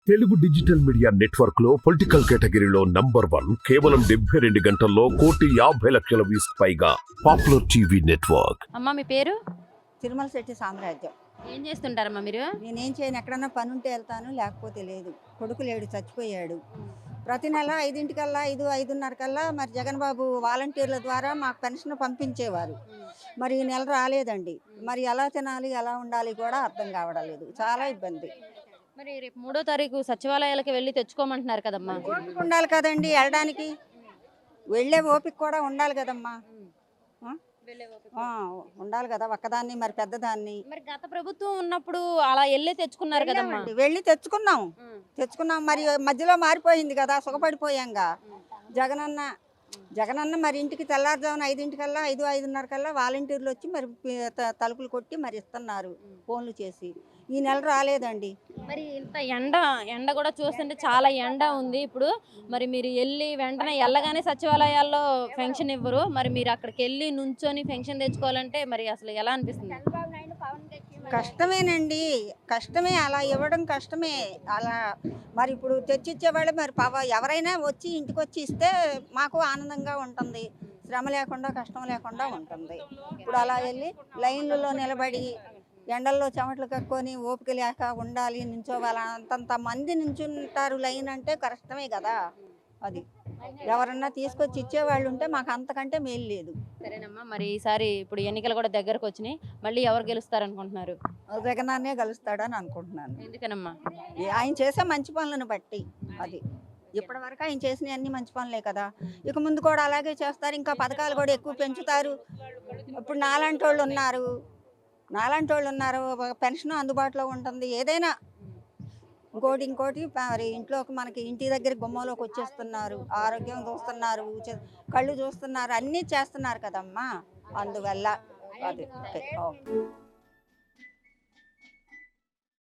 Telugu digital media network లో political కేటగిరీలో number 1 కేవలం 72 గంటల్లో 1,50,00,000 వ్యూస్ పైగా పాపులర్ టీవీ నెట్వర్క్. అమ్మ మీ పేరు? తిరుమల శెట్టి సామ్రాజ్యం. ఏం చేస్తుంటారమ్మా మీరు? నేనేం చేయను, ఎక్కడన్నా పని ఉంటే వెళ్తాను, లేకపోతే లేదు. కొడుకు లేడు, చచ్చిపోయాడు. ప్రతి నెల 5:00కల్లా 5:30కల్లా మరి జగన్ బాబు వాలంటీర్ల ద్వారా మాకు పెన్షన్ పంపించేవారు. మరి ఈ నెల రాలేదండి. మరి ఎలా తినాలి, ఎలా ఉండాలి కూడా అర్థం కావడం లేదు. చాలా ఇబ్బంది. మరి రేపు 3వ తారీఖు సచివాలయాలకు వెళ్ళి తెచ్చుకోమంటున్నారు కదమ్మా. ఓపిక ఉండాలి కదండి వెళ్ళడానికి, వెళ్ళే ఓపిక కూడా ఉండాలి కదమ్మా. ఉండాలి కదా, ఒక్కదాన్ని మరి పెద్దదాన్ని. మరి గత ప్రభుత్వం ఉన్నప్పుడు అలా వెళ్ళి తెచ్చుకున్నారు కదమ్మా. వెళ్ళి తెచ్చుకున్నాం మరి మధ్యలో మారిపోయింది కదా, సుఖపడిపోయాంగా. జగనన్న మరి ఇంటికి తెల్లారుజామున 5:00కల్లా 5:30కల్లా వాలంటీర్లు వచ్చి మరి తలుపులు కొట్టి మరి ఇస్తున్నారు ఫోన్లు చేసి. ఈ నెల రాలేదండి. మరి ఇంత ఎండ కూడా చూస్తుంటే చాలా ఎండ ఉంది ఇప్పుడు. మరి మీరు వెళ్ళి వెంటనే వెళ్ళగానే సచివాలయాల్లో పెన్షన్ ఇవ్వరు. మరి మీరు అక్కడికి వెళ్ళి నుంచొని పెన్షన్ తెచ్చుకోవాలంటే మరి అసలు ఎలా అనిపిస్తుంది? కష్టమేనండి, కష్టమే. అలా ఇవ్వడం కష్టమే. అలా మరి ఇప్పుడు తెచ్చిచ్చేవాళ్ళు మరి ఎవరైనా వచ్చి ఇంటికి వచ్చి ఇస్తే మాకు ఆనందంగా ఉంటుంది, శ్రమ లేకుండా కష్టం లేకుండా ఉంటుంది. ఇప్పుడు అలా వెళ్ళి లైన్లలో నిలబడి ఎండల్లో చెమటలు కక్కుని ఓపిక లేక ఉండాలి, నించోవాలి. అంతంత మంది నించుంటారు లైన్ అంటే కష్టమే కదా. అది ఎవరన్నా తీసుకొచ్చి ఇచ్చేవాళ్ళు ఉంటే మాకు అంతకంటే మేలు లేదు. సరేనమ్మా, మరి ఈసారి ఇప్పుడు ఎన్నికలు కూడా దగ్గరకు వచ్చినాయి, మళ్ళీ ఎవరు గెలుస్తారు అనుకుంటున్నారు? జగనన్నే గెలుస్తాడని అనుకుంటున్నాను. ఎందుకనమ్మా? ఆయన చేసే మంచి పనులను బట్టి. అది ఇప్పటి వరకు ఆయన చేసిన అన్ని మంచి పనులే కదా, ఇక ముందు కూడా అలాగే చేస్తారు. ఇంకా పథకాలు కూడా ఎక్కువ పెంచుతారు. ఇప్పుడు నాలాంటి వాళ్ళు ఉన్నారు, పెన్షన్ అందుబాటులో ఉంటుంది. ఏదైనా ఇంకోటి మరి ఇంట్లోకి మనకి ఇంటి దగ్గర గుమ్మంలోకి వచ్చేస్తున్నారు, ఆరోగ్యం చూస్తున్నారు, కళ్ళు చూస్తున్నారు, అన్నీ చేస్తున్నారు కదమ్మా. అందువల్ల అది